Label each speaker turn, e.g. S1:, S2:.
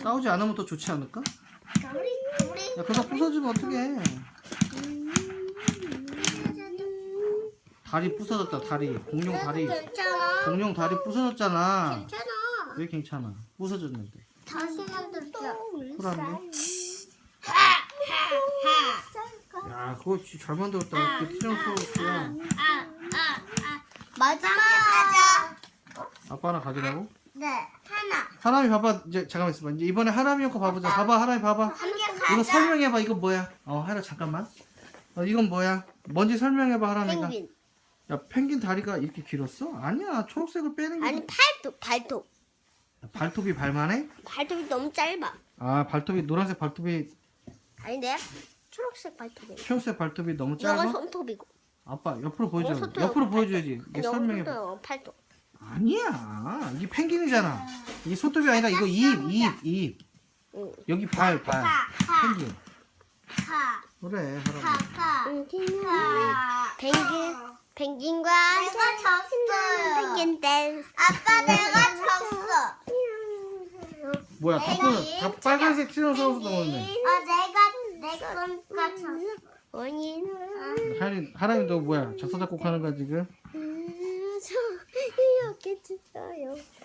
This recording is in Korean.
S1: 싸우지 않으면 더 좋지 않을까?
S2: 우리
S1: 야, 그러다 부서지면 어떡해. 다리 부서졌다, 다리. 공룡 다리.
S2: 괜찮아.
S1: 공룡 다리 부서졌잖아.
S2: 괜찮아.
S1: 왜 괜찮아? 부서졌는데.
S2: 다시 만들자.
S1: 쿨한데? 야, 그거 진짜 잘 만들었다. 그 티라노사우루스야.
S2: 마지막 가자.
S1: 아빠 하나 가지라고?
S2: 네, 하나.
S1: 하람이 봐봐. 이제 잠깐만 있어봐. 이제 이번에 하람이 형 거 봐보자. 봐봐, 하람이 봐봐.
S2: 함께
S1: 이거
S2: 가자.
S1: 설명해봐. 이거 뭐야? 하라 잠깐만. 이건 뭐야? 뭔지 설명해봐, 하람이가.
S2: 펭귄.
S1: 야, 펭귄 다리가 이렇게 길었어? 아니야, 초록색을 빼는 게.
S2: 아니 발톱.
S1: 발톱이 발만해?
S2: 발톱이 너무 짧아.
S1: 아, 발톱이 노란색 발톱이
S2: 아닌데? 초록색 발톱이.
S1: 초록색 발톱이 너무
S2: 이건
S1: 짧아?
S2: 손톱이고.
S1: 아빠 옆으로 보여줘.
S2: 손톱,
S1: 옆으로
S2: 발톱.
S1: 보여줘야지. 이게 설명해봐.
S2: 이건 팔톱.
S1: 아니야, 이게 펭귄이잖아. 이게 손톱이 아니라 이거 입.
S2: 응.
S1: 여기 발. 펭귄.
S2: 파.
S1: 그래, 하람이.
S2: 펭귄과 내가 졌어요. 펭귄 댄스. 아빠 내가 졌어.
S1: 뭐야, 다 빨간색 티라노사우루스 넣었네.
S2: 내가 졌어. 원인.
S1: 하람이 너 뭐야? 작사 작곡하는 거야 지금?
S2: 저 이렇게 쳤어요.